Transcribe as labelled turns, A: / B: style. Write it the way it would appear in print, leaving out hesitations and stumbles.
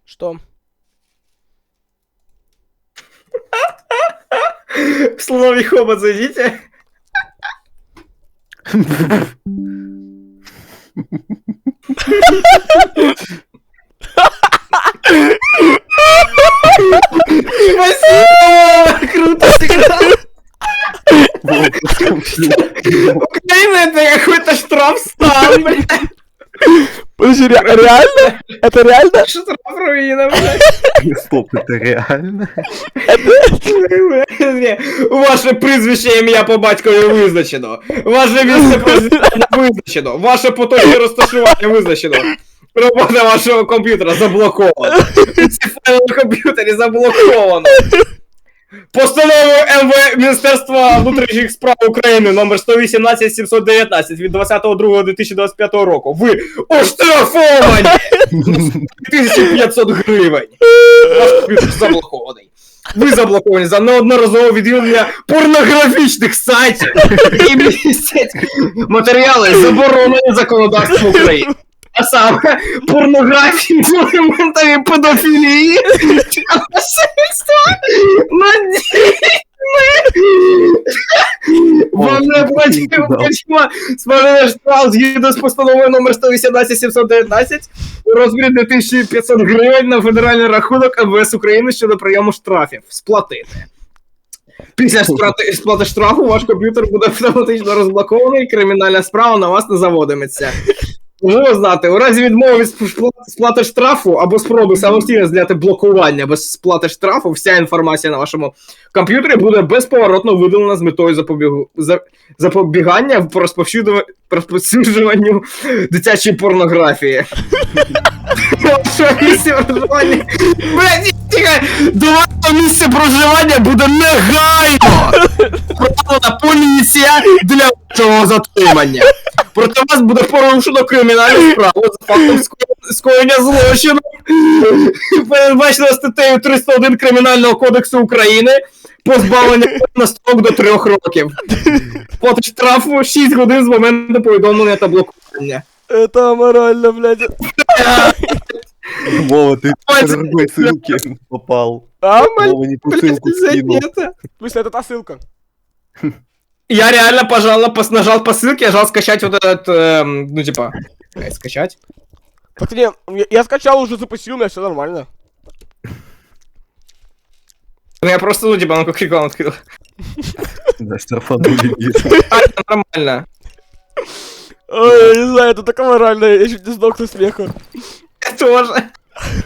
A: Что?
B: В слове хобот зайдите. Спасибо! Круто сыграл! Украина это какой-то штрафстан, блядь.
A: Подожди, реально? Это реально?
B: Штраф-руина, блядь.
C: Стоп, это реально?
B: Ваше прізвище, ім'я по батькові визначено. Ваше місце проживання визначено. Ваше поточне розташування визначено. Робота вашого комп'ютера заблокована. Ці файли на комп'ютері заблоковано. Постановою Міністерства внутрішніх справ України номер 118-719 від 20.02.2025 року. Ви оштрафовані! 1500 гривень. Ваш комп'ютер заблокований. Ви заблоковані за неодноразове відвідування порнографічних сайтів і містять матеріали, заборонені законодавством України. А саме порнографії, елементарі педофілії, насильства над дітьми. Вони платимо сплатити штраф згідно з постановою номер 118-719 у розмірі 2500 гривень на федеральний рахунок МВС України щодо прийому штрафів. Сплатити. Після сплати штрафу ваш комп'ютер буде автоматично розблокований і кримінальна справа на вас не заводиметься. Можливо знати, у разі відмови від сплати штрафу або спроби самостійно зняти блокування без сплати штрафу, вся інформація на вашому комп'ютері буде безповоротно видалена з метою запобігання в розповсюджуванню дитячої порнографії. Що місце проживання? Блядь, тихо! До вашого місця проживання буде негайно проведена поліція для вашого затримання. Проти вас буде порушено кримінальну справу за фактом скоєння злочину, передбачено статтею 301 Кримінального кодексу України, позбавлення на строк до 3 років. Плата штрафу 6 годин з моменту повідомлення та блокування.
A: Это аморально, блядь.
C: Вова, ты по другой ссылке попал.
A: А?
C: Вова не ту ссылку скинул.
A: В смысле, это та ссылка?
B: Я реально нажал по ссылке, нажал скачать вот этот, ну типа, скачать.
A: Так не, я скачал, уже запустил, у меня все нормально.
B: Ну я просто, ну типа, ну как рекламу открыл.
C: Да, штрафанули.
B: А, это нормально.
A: Ой, я не знаю, это так аморально, я чуть не сдох со смеха.
B: Я тоже.